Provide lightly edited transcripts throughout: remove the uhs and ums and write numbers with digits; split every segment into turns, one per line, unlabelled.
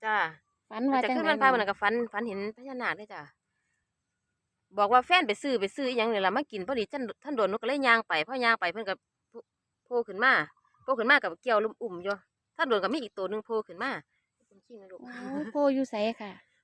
จ้า
ฝัน
มัน
ว่าจัง
จะขึ้นวันพ
ได๋น้อง
ระมันก็ฝันเห็นพญานาคเลยจ้าบอกว่าแฟนไปซื้ออีหยังนี่ล่ะมากินพอดีท่านโดนหนูก็เลยย่างไปพอย่างไปเพิ่นก็โผล่ขึ้นมากับเกี่ยวลุ่มอุ่มอยู่ท่านโดนก็มีอีกตัวหนึงโผล่ขึ้นมาเป็นขี้นะลูก
โอ้โพอยู่ไสค่ะ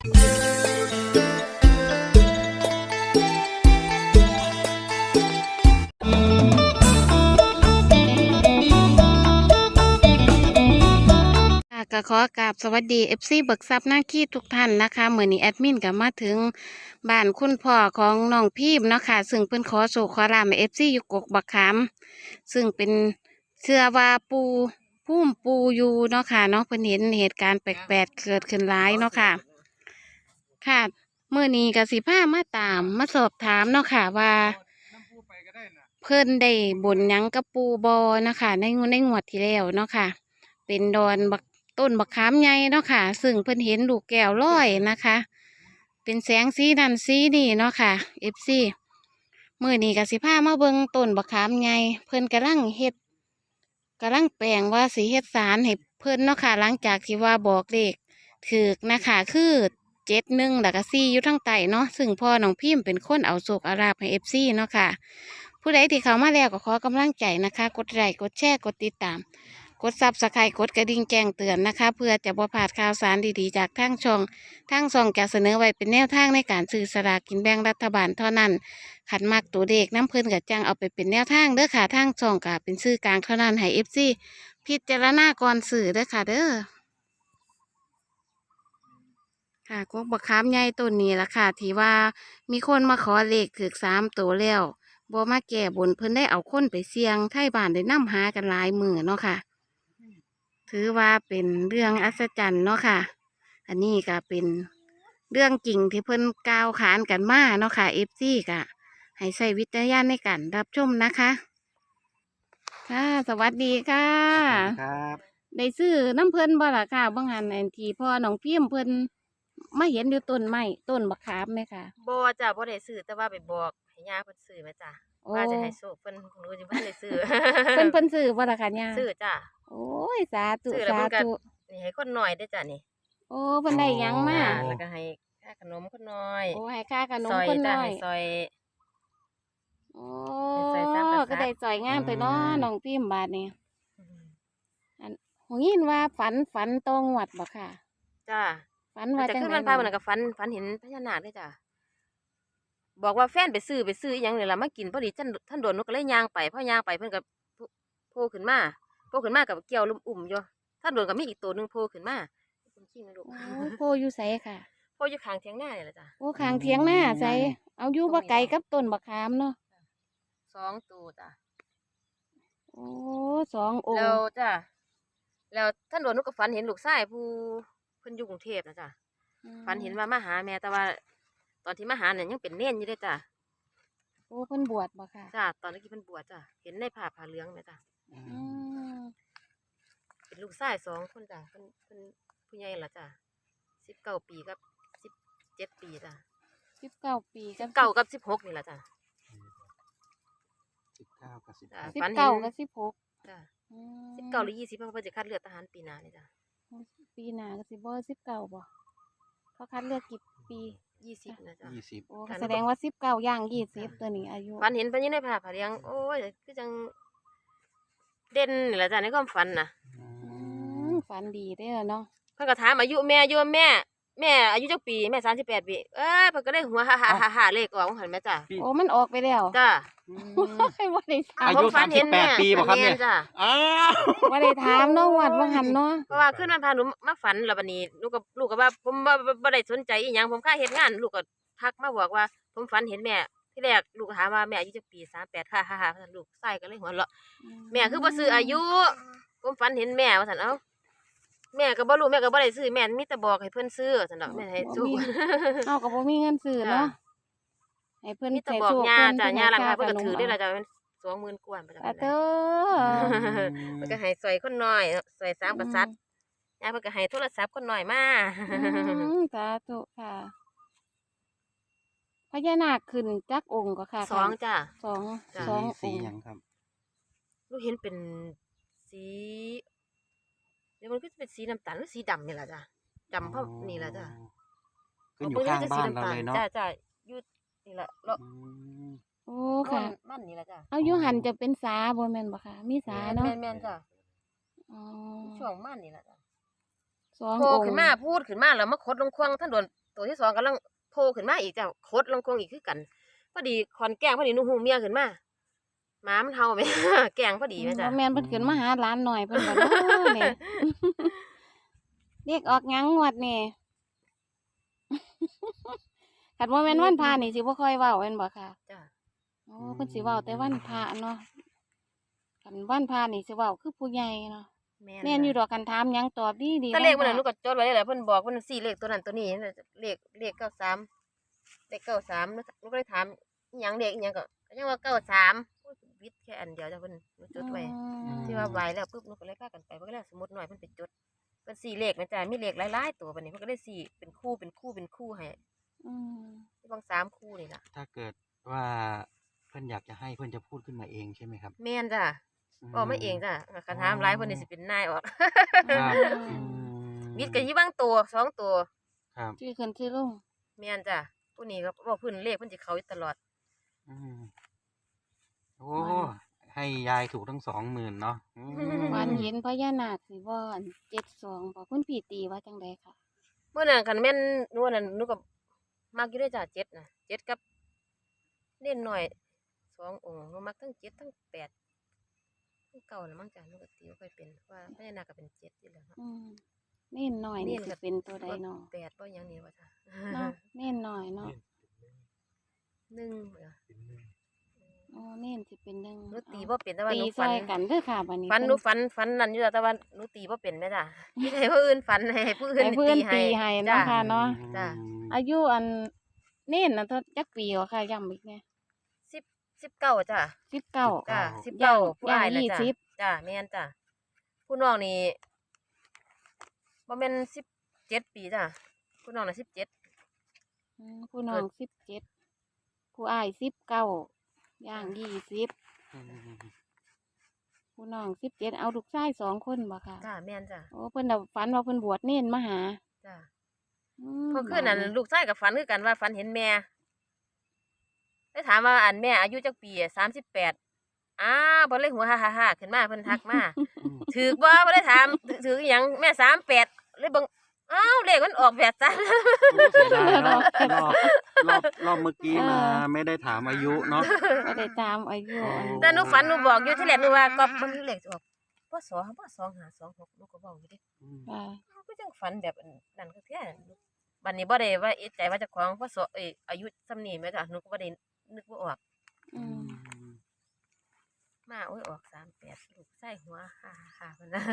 ค่ะก็ขอกราบสวัสดี FC เบิกทรัพย์หน้าขี้ทุกท่านนะคะเมื่อนี้แอดมินก็มาถึงบ้านคุณพ่อของน้องพีมเนาะค่ะซึ่งเป็นขอโศกขอลาบ FC อยู่กกบักขามซึ่งเป็นเชื่อว่าพุ่มปูอยู่เนาะค่ะเนาะเพิ่นเห็นเหตุการณ์แปลกๆเกิดขึ้นหลายเนาะค่ะค่ะเมื่อนี้ก็สิพามาตามมาสอบถามเนาะค่ะว่า เพิ่นได้บนหยังกับปูบอนะคะในงวดที่แล้วเนาะค่ะเป็นดอนบักต้นบักขามใหญ่เนาะค่ะซึ่งเพิ่นเห็นลูกแก้วลอยนะคะ เป็นแสงสีนั่นสีนี่เนาะค่ะ FC มื้อนี้ก็สิพามาเบิ่งต้นบักขามใหญ่เพิ่นกำลังแปลงว่าสิเฮ็ดสารให้เพิ่นเนาะค่ะหลังจากที่ว่าบอกเลขถูกนะคะคือ71แล้วก็4อยู่ทั้งใต้เนาะซึ่งพ่อน้องพิมพ์เป็นคนเอาโชคเอาลาภให้ FC เนาะค่ะ ผู้ใดที่เข้ามาแล้วก็ขอกำลังใจนะคะ กดไลค์กดแชร์กดติดตาม กดซับสไครต์กดกระดิ่งแจ้งเตือนนะคะ เพื่อจะบ่พลาดข่าวสารดีๆจากทางช่องจะเสนอไว้เป็นแนวทางในการซื้อสลากกินแบ่งรัฐบาลเท่านั้นขันมักตัวเด็กน้ำเพิ่นกับจังเอาไปเป็นแนวทางเด้อค่ะทางช่องก็เป็นซื้อกลางเท่านั้นให้FC พิจารณาก่อนซื้อเด้อค่ะเด้อค่ะกกบักขามใหญ่ต้นนี้ล่ะค่ะที่ว่ามีคนมาขอเลขถึก3 ตัวแล้ว บ่มาแก้บนเพิ่นได้เอาคนไปเสี่ยงไทบ้านได้นำหากันหลายมื้อเนาะค่ะถือว่าเป็นเรื่องอัศจรรย์เนาะค่ะ อันนี้ก็เป็นเรื่องจริงที่เพิ่นกล่าวขานกันมาเนาะค่ะ FC ก็ให้ใช้วิจารณญาณในการรับชมนะคะค่ะสวัสดีค่ะ
ครับ
ได้ซื้อน้ำเพิ่นบ่ล่ะค่ะบางหันอันที่พ่อน้องพิมพ์เพิ่นมาเห็นอยู่ต้นไม้ต้นบักขามไหมค่ะ
บ่จ้ะบ่ได้ซื้อแต่ว่าไปบอกให้ย่าเพิ่นซื้อแม่จ้ะ
โอ้
ว่าจะให้โชคเพิ่นหนูสิบ่ทันได้ซื้อ
เพิ่นซื้อบ่ล่ะค่ะย่า
ซื้อจ้ะ
โอ้ยสาธุ
ซื้อแล้ว
สา
เพิ่นก็
ธุ
นี่ให้คนน้อยเด้อจ้ะนี่
โอ้เพิ่นได้หยังมา
จ้ะแล้วก็ให้ค่าขนมคนน้อย
โอ้ให้ค่าขนม
ซอย
คน
จ้ะ
น้อย
ให้ซอย
โอ้
ให้ซอยสามก
ก็
ษัตริย์
ได้จ่อยงามไปเนาะน้องพิมพ์บาดนี้อันหูยินว่าฝันตรงหวัดบ่ค่ะ
จ้ะ
ฝัน
มัน
ว่าจัง
จะขึ้นวันพ
ไดน้อง
ระมันก็ฝันเห็นพญานาคเลยจ้ะบอกว่าแฟนไปซื้ออีหยังนี่ล่ะมากินพอดีท่านโดนหนูก็เลยย่างไปพอย่างไปเพิ่นก็โผล่ขึ้นมากับเกี่ยวลุ่มอุ่มอยู่ท่านโดนก็มีอีกตัวหนึงโผล่ขึ้นมาเป็นขี้นะลูก
โอ้โพอยู่ไสค่ะ
โผล่อยู่ข้างเถียงนานี่แหละจ้ะ
โอ้ข้างเถียงหน้าใส่เอาอยู่บ่ไกลกับต้นบักขามเนาะ
2 ตัวจ้ะ
โอ้2 อง
แล้ว
ค์
จ้ะแล้วท่านโดนหนูก็ฝันเห็นลูกชายผู้เพิ่นอยู่กรุงเทพนะจ้ะฝันเห็นว่ามาหาแม่แต่ว่า ตอนที่มาหาเนี่ยยังเป็นเน่นอยู่เด้อจ้ะ
โอ้เพิ่นบวชบ่ค่ะ
จ้ะตอนนี้เพิ่นบวชจ้ะเห็นในผ้าเหลืองแม่จ้ะ
อืม
เป็นลูกชาย2 คนจ้ะเพิ่นผู้ใหญ่ละจ้ะ19 ปีกับ17 ปีจ้ะ
19 ปีกับ
19กับ16นี่ละจ้ะ
19กับ
จ้ะ
16
ฝันเห็น
19กับ16
จ้ะ
อื
19หรือ
ม
20เพราะว่าเพิ่นจะคัดเลือกทหารปีหน้านี่จ้ะ
ปีหน้าก็สิบ่19บ่เขาคัดเลือกกี่ปี
20นะจ้ะ
โอ้
20
ก็แสดงว่า19ย่าง20ตัวนี้อายุ
ฝันเห็นเพิ่นอยู่ในผ้าเหลืองโอ้ยคือจังเด่นนี่ละจ้ะในความฝันน่ะ
ฝันดีเด้อเนาะ
เพิ่นก็ถามอายุแม่อยู่ว่าแม่อายุจักปีแม่38 ปีเพิ่นก็เลยหัวฮ่าๆเลขออกว่าหั่นแม่จ้ะ
โอ้มันออกไปแล้ว
จ้ะ
ว่าได้ถาม
อายุ
ผมฝันเห็นแม่
38 ปีบ่ครับเนี่ย
แม่จ้ะ
อ้าว
ว่าได้ถามเนาะวัดว่าหันเนาะ
เพราะว่าขึ้นมันพาหนูมาฝันแล้วบัดนี้ลูกก็ว่าผมบ่ได้สนใจอีหยังผมค่าเฮ็ดงานลูกก็ทักมาบอกว่า ผมฝันเห็นแม่ที่แรกลูกก็ถามว่าแม่อายุจักปี38ฮ่าๆว่าซั่นลูกชายก็เลยหัวเราะแม่คือบ่ซื้ออายุ ผมฝันเห็นแม่ว่าซั่นเอ้าแม่ก็บ่รู้แม่ก็บ่ได้ซื้อแม่มีแต่บอกให้เพิ่นซื้อซั่นดอกแม่ให้สู้
เฮาก็บ่มีเงินซื้อเนาะให้เพิ่น
มีแต่
ใส่
บอก
โชค
ย่า
เพิ่น
จ้ะย่าหลังเพิ่นก็
ข
ถือได้
นม
ล่ะจ้ะเป็น20,000กว่าประจำ
อะ
นั้น
เด้อ
มันก็ให้ซอยคนน้อยซอย3กษัตริย์ย่าเพิ่นก็ให้โทรศัพท์คนน้อยมา
สาธุค่ะพญานาคขึ้นจักองค์ก็ค่ะ
2จ้ะ
สอง
จ้ะ
สองอ
สี
งค์
หยังครับ
ลูกเห็นเป็นสีเดี๋ยวมันก็จะเป็นสีน้ำตาลหรือสีดำนี่แหละจ้ะจำเพราะนี่ล่ะจ้ะ
ขึ้นอยู่ข้างบ้านเราเลยเนาะ
จ้าอยู่นี่ล่ะเลาะ
อืม
โอ้ค่ะ
มันนี่ล่ะจ้ะ
เอาอยู่หันจะเป็นสาบ่แม่นบ่ค่ะ มีสาเนาะ
แม่นจ้ะ
อ๋อ
ช่วงมันนี่ล่ะจ้ะ
สอง
โผล่
อง
ขึ้น
ค์
มาพูดขึ้นมาแล้วมาขดลงควงท่านโดนตัวที่สองกำลังโผล่ขึ้นมาอีกจ้ะขดลงควงอีกคือกันพอดีขอนแกล้งพอดีหนูหูเมียขึ้นมาหมามันเห่าแม่ แกล้งพอดีแม่จ้ะ
บ่แม่นเพิ่นขึ้นมาหาหลานหน่อยเพิ่นบ่เนาะนี่ เรียกออกหยังงวดนี่ คันบ่แม่นวันพระนี่สิบ่ค่อยเว้าแม่นบ่ค่ะ
จ้ะ
โอ้เพิ่นสิเว้าแต่วันพระเนาะคันวันพระนี่สิเว้าคือผู้ใหญ่เนาะแม่นอยู่ดอกกันถามหยังตอบดีๆ
แต่เลขมัน
วั
น่ะหนู
พระ
ก็จดไว้เลยแหละเพิ่นบอกเพิ่น4เลขตัวนั้นตัวนี้เลข93เลข93หนูก็เลยถามอิหยังเลขอิหยังก็ยังว่า93โอ้ยวิทย์แค่อันเดียวจ้ะเพิ่นหนูจดไว้ ที่ว่าไหวแล้วปุ๊บหนูก็เลยพากันไปเพิ่นก็เลยเอาสมุดหน่อยเพิ่นไปจดเพิ่น4เลขนะจ๊ะมีเลขหลายๆตัวบัดนี้เพิ่นก็ได้สี่เป็นคู่ให้
อืม
บาง3คู่นี่ล่ะ
ถ้าเกิดว่าเพื่อนอยากจะให้เพื่อนจะพูดขึ้นมาเองใช่ไหมครับ
แม่นจ้ะก็ไม่เองจ้ะคันถามหลายเพิ่นนี่สิเป็นนายออก
ครับ
วิทย์ก็อยู่บางตัว2ตัว
ครับ
ชื่อขึ้นชื่อลง
แม่นจ้ะผู้นี้ก็บอกเพิ่นเลขเพิ่นสิเข้าอยู่ตลอด
อืมโอ้ให้ยายถูกทั้ง20,000เนาะอืม
วันเห็นพญานาคสิบ่อัน72บ่คุณพี่ตีว่าจังไดค่ะ
เมื่อนั้นคันแม่นหนูอันนั้นหนูก็มักอยู่ด้วยจ้ะ7น่ะ7กับเน้นหน่อย2องค์หนูมักทั้ง7ทั้ง8ทั้ง9น่ะมั้งจ้ะหนูก็ตีบ่ค่อยเป็นว่าพญานาคก็เป็น7อยู่แล้วเนาะ
อืมเน่นหน่อยนี่สิเป็นตัวใดเนาะ
8บ่หยังนี่ว่าจ้ะ
เนาะเน่นหน่อยเนาะ
1เหรอ
โอ้เน่นสิเป็นหนึ่ง
หนูตีบ่เป็นแต่ว่า
ตี
หนู
ซ
ฝั
อน ยกันเด้อค่ะบัดนี้
ฝันหนูฝันนั่นอยู่แต่ว่าหนูตีบ่เป็นแม่จ้ะ มีให้ผู้อื่นฝันให้ผู้อื่น
ให้เพื่อนตีให้เนาะ
จ้ะ
ค่ะเนาะ
จ้ะ
อายุอันเน่นน่ะเท่าจักปีเหรอค่ะย้ำอีกแน่
19จ้ะ
19
จ้ะ
ย่าง
19ผู้อ้ายน่ะจ้ะ
20
จ้ะแม่นจ้ะผู้น้องนี่บ่แม่น17ปีจ้ะผู้น้องน่ะ17
ผู้น้อง17ผู้อ้าย19ย่าง20ผู้น้อง17เอาลูกชาย2คนบ่ค่ะ
จ้ะแม่นจ้ะ
โอ้เพิ่นน่ะฝันว่าเพิ่นบวชเน่นมาหา
จ้ะ
อืม
เพราะคืนนั้นลูกชายก็ฝันคือกันว่าฝันเห็นแม่ได้ถามว่าอันแม่อายุจักปี38อ้าวบ่เลยหัวฮ่าๆๆขึ้นมาเพิ่นทักมา ถือบ่ได้ถามถืออหยังแม่38เลยเบิ่งอ้าวเลขมันออกแบบจ้ะ
เสียดายเนาะรอบเมื่อกี้มาไม่ได้ถามอายุเนาะ
บ่ได้ตามอายุอัน
แต่หนูฝันหนูบอกอยู่ที่แรกหนูว่าก็มันเลขสิออกบ่2526หนูก็เว้าอยู่เดิ
ค่ะ
ก็จังฝันแบบนั้นก็แท้บัดนี้บ่ได้ว่าเอะใจว่าเจ้าของพศอายุส่ำนี้แม่จ้ะหนูก็บ่ได้นึกบ่ออก
อืม
มาโอ้ยออก38ลูกใส่หัวฮ่าๆๆเพิ่นน่ะ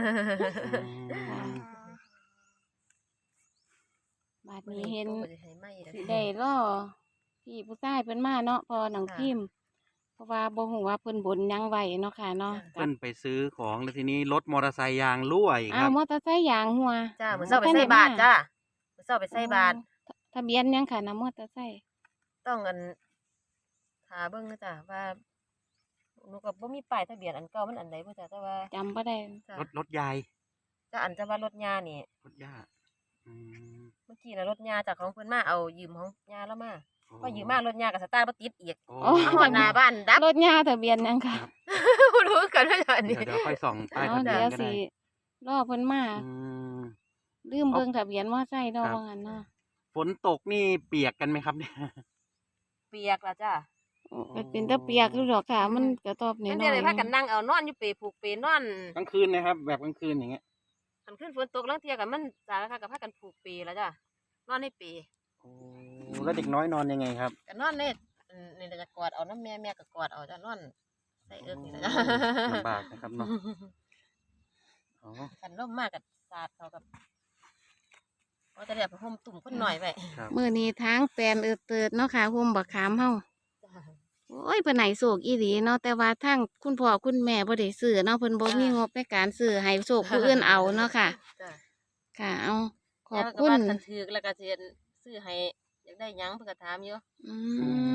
บาดนี้เห็น
บ่ได้ให้ไหม้ดอก
สิได้รอพี่ผู้ชายเพิ่นมาเนาะพอหนัง
ค่ะ
พิมพ์เพราะว่าบ่ฮู้ว่าเพิ่นบนหยังไว้เนาะค่ะเนาะ
เพื่อนไปซื้อของแล้วทีนี้รถมอเตอร์ไซค์ยางรั่วอีกค
อ้า
รั
ว
บ
มอเตอร์ไซค์ยางหัว
จ้ามื้อเช้าไปใส่บาตรจ้ามื้อเช้าไปใส่บาตร
ทะเบียนหยังค่ะนะมอเตอร์ไซค์
ต้องอันหาเบิ่งนะจ้ะว่าหนูก็บ่มีป้ายทะเบียนอันเก่ามันอันใดบ่จ้ะแต่ว่า
จำบ่ได้
จ้ะ
รถยาย
จ้ะอันจะว่ารถยานี่
รถย่าอืม
เมื่อกี้น่ะรถยาจากของเพิ่นมาเอายืมของยาแล้วมาพอยืมมารถยาก็สตาร์ทบ่ติดอีก
โอ้
เอาฮอดหน้าบ้านดับ
รถยาทะเบียนหยังค่ะ
บ่รู้กันว่าอันนี้
เดี๋ยวค่อยส่องป้าย
เอา
ทะเบีย
เดี๋
น
ยว
ก็
สิ
ได้
รอเพิ่นมา
อืม
ลืมเบิ่งทะเบียนมอไซค์เนาะ
ครับ
ว่างั้นเนาะ
ฝนตกนี่เปียกกันไหมครับเนี่ย
เปียกล่ะจ้ะ
โอ้ก็เป็นตะเปียกอยู่ดอกค่ะ มันกระตอบน้
มัน
อ
เดี๋ยวย เลย
ๆ
พากันนั่งเอานอนอยู่เปผูกเปนอน
กลางคืนนะครับ แบบกลางคืนอย่างเงี้ย
คันขึ้นฝนตกลางเที่ยก็มันสารค่ะก็พากันผูกเปแล้วจ้ะนอนในเป
โอ้แล้วเด็กน้อยนอนยังไงครับ
ก็นอนในนี่จะกอดเอาน้ำแม่ก็กอดเอาจ้ะนอนใส่เอิ้กนี่ล่ะจ้ะ
ลำบากนะครับเนาะอ๋อ
คันลมมากก็สาดเขากับว่าจะได้ไปห่มตุ่มคนหน่อยไว้
ครับ
มื้อนี้ทางแปลนเติดเนาะค่ะห่มบักขามเฮา
จ้ะ
โอ้ยเพิ่นให้โชคอีหลีเนาะแต่ว่าทางคุณพ่อคุณแม่บ่ได้ซื้อเนาะเพิ่นบ่มีงบในการซื้อให้โชคผู้อื่นเอาเนาะค่ะ
จ้ะ
ค่ะ เอาขอบ
แล้วก็
คุณ
ว่าคันถือแล้วก็สิซื้อให้อยากได้หยังเพิ่นก็ถามอยู่
อื
พอดี
ม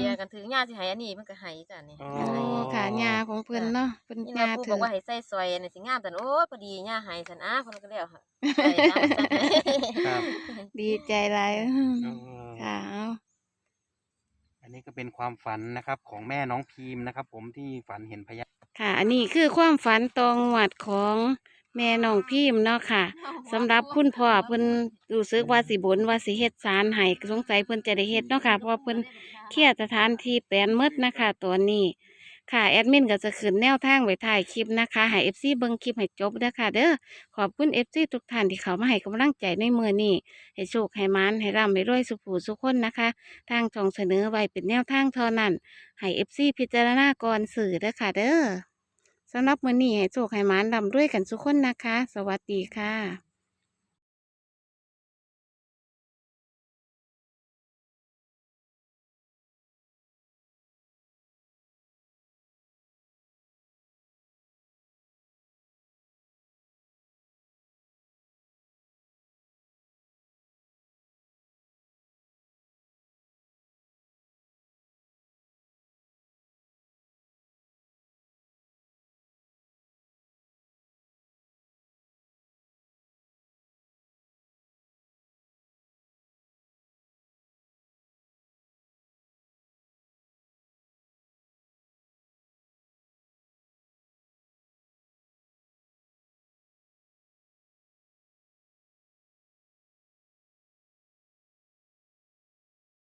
ยกันถือย่าสิให้อันนี้มันก็ให้จ้ะนี่
อ๋อ
โอ้ค่ะยาของเพิ่นเนาะเพิ่น
นี่
ยา
นะปู่
ถื
บอก
อ
ว่าให้ใส่ซอยอันนี้สิงามแต่โอ้ยพอดีย่าให้ซั่นเพิ่นก็แล้วค่ะใส่ตามซั่น
ครับ
ดีใจหลาย
เออ
ค่ะเอา
อันนี้ก็เป็นความฝันนะครับ ของแม่น้องพีมนะครับ ผมที่ฝันเห็นพญา
ค่ะ อันนี้คือความฝันตองหวัดของแม่น้องพิมพ์เนาะค่ะสำหรับคุณพ่อเพิ่นรู้สึกว่าสิบนว่าสิเฮ็ดศาลให้สงสัยเพิ่นจะได้เฮ็ดเนาะค่ะเพราะว่าเพิ่นเคลียร์สถานที่แปลนหมดนะคะตัวนี้ ค่ะแอดมินก็จะขึ้นแนวทางไว้ถ่ายคลิปนะคะให้ FC เบิ่งคลิปให้จบเด้อค่ะเด้อขอบคุณ FC ทุกท่านที่เข้ามาให้กำลังใจในมื้อนี้ให้โชคให้หมานให้ร่ำให้รวยสุขผู้สุขคนนะคะ ทางช่องเสนอไว้เป็นแนวทางเท่านั้นให้ FC พิจารณาก่อนสื่อเด้อค่ะเด้อสำหรับมื้อนี้ให้โชคให้หมานร่ำรวยกันทุกคนนะคะ สวัสดีค่ะ